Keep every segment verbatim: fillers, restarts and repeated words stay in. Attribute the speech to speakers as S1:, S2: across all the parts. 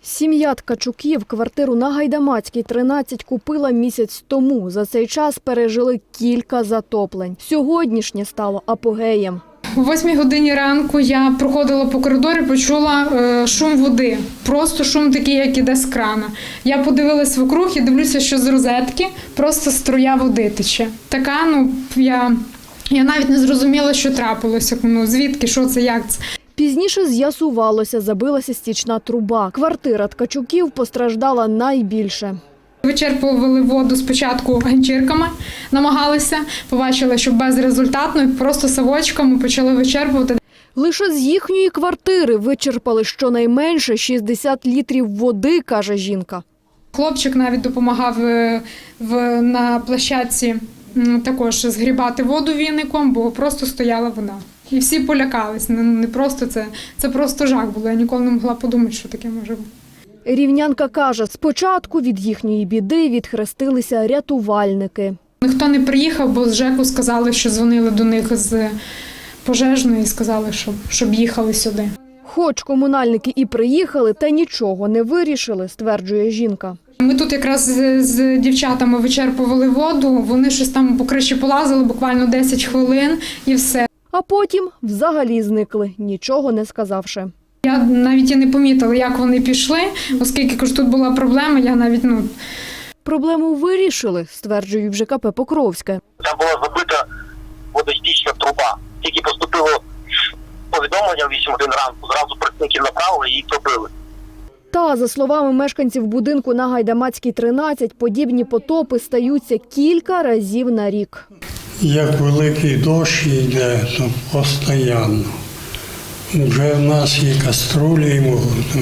S1: Сім'я Ткачуків квартиру на Гайдамацькій, тринадцять купила місяць тому. За цей час пережили кілька затоплень. Сьогоднішнє стало апогеєм.
S2: О восьмій годині ранку я проходила по коридорі, почула е, шум води. Просто шум такий, як іде з крана. Я подивилась вокруг і дивлюся, що з розетки просто струя води тече. Така, ну, я, я навіть не зрозуміла, що трапилося. Ну, звідки, що це, як це.
S1: Пізніше з'ясувалося, забилася стічна труба. Квартира Ткачуків постраждала найбільше.
S2: Вичерпували воду спочатку ганчірками, намагалися, побачили, що безрезультатно, і просто совочками почали вичерпувати.
S1: Лише з їхньої квартири вичерпали щонайменше шістдесят літрів води, каже жінка.
S2: Хлопчик навіть допомагав в, на площадці також згрібати воду віником, бо просто стояла вода. І всі полякались. Не, не просто це, це просто жах було. Я ніколи не могла подумати, що таке може бути.
S1: Рівнянка каже, спочатку від їхньої біди відхрестилися рятувальники.
S2: Ніхто не приїхав, бо з ЖЕКу сказали, що дзвонили до них з пожежної і сказали, щоб, щоб їхали сюди.
S1: Хоч комунальники і приїхали, та нічого не вирішили, стверджує жінка.
S2: Ми тут якраз з, з дівчатами вичерпували воду, вони щось там по криші полазили, буквально десять хвилин і все.
S1: А потім взагалі зникли, нічого не сказавши.
S2: Я навіть і не помітила, як вони пішли, оскільки ж тут була проблема, я навіть, ну...
S1: Проблему вирішили, стверджують в ЖКП Покровське.
S3: Там була забита водостічна труба. Тільки поступило повідомлення в вісім годин ранку, зразу працівників направили і її пробили.
S1: Та, за словами мешканців будинку на Гайдамацькій, тринадцять, подібні потопи стаються кілька разів на рік.
S4: Як великий дощ йде, то постійно. Вже в нас і каструлі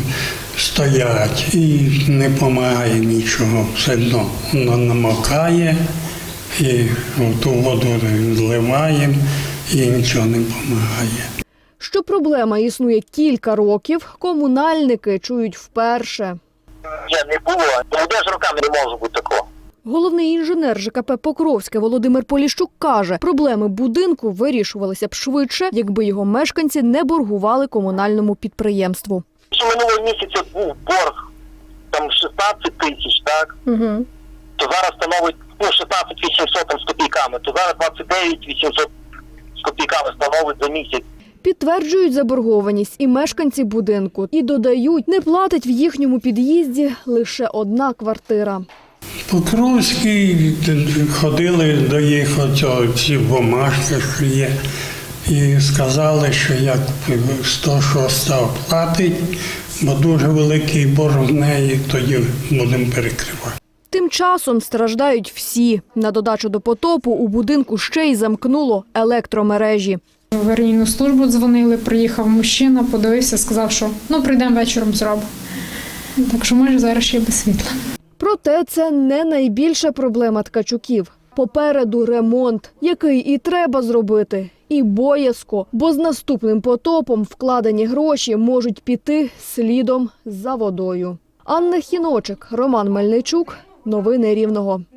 S4: стоять, і не допомагає нічого. Все одно воно намокає, і ту воду зливаємо, і нічого не допомагає.
S1: Що проблема існує кілька років, комунальники чують вперше.
S3: Я не було, буде ж роками не може бути такого.
S1: Головний інженер ЖКП Покровське Володимир Поліщук каже, проблеми будинку вирішувалися б швидше, якби його мешканці не боргували комунальному підприємству.
S3: Що минулого місяця був борг, там шістнадцять тисяч, так?
S1: Угу.
S3: То зараз становить, ну, шістнадцять вісімсот там з копійками, то зараз двадцять дев'ять вісімсот з копійками становить за місяць.
S1: Підтверджують заборгованість і мешканці будинку. І додають, не платить в їхньому під'їзді лише одна квартира.
S4: Покровські ходили до їх оцього, ці бумажки, що є, і сказали, що як сто шоста платить, бо дуже великий борг в неї, тоді будемо перекривати.
S1: Тим часом страждають всі. На додачу до потопу у будинку ще й замкнуло електромережі.
S2: В аварійну службу дзвонили, приїхав мужчина, подивився, сказав, що ну прийдемо вечором зробимо. Так що може зараз ще без світла.
S1: Проте це не найбільша проблема Ткачуків. Попереду ремонт, який і треба зробити, і боязко, бо з наступним потопом вкладені гроші можуть піти слідом за водою. Анна Хіночик, Роман Мельничук. Новини Рівного.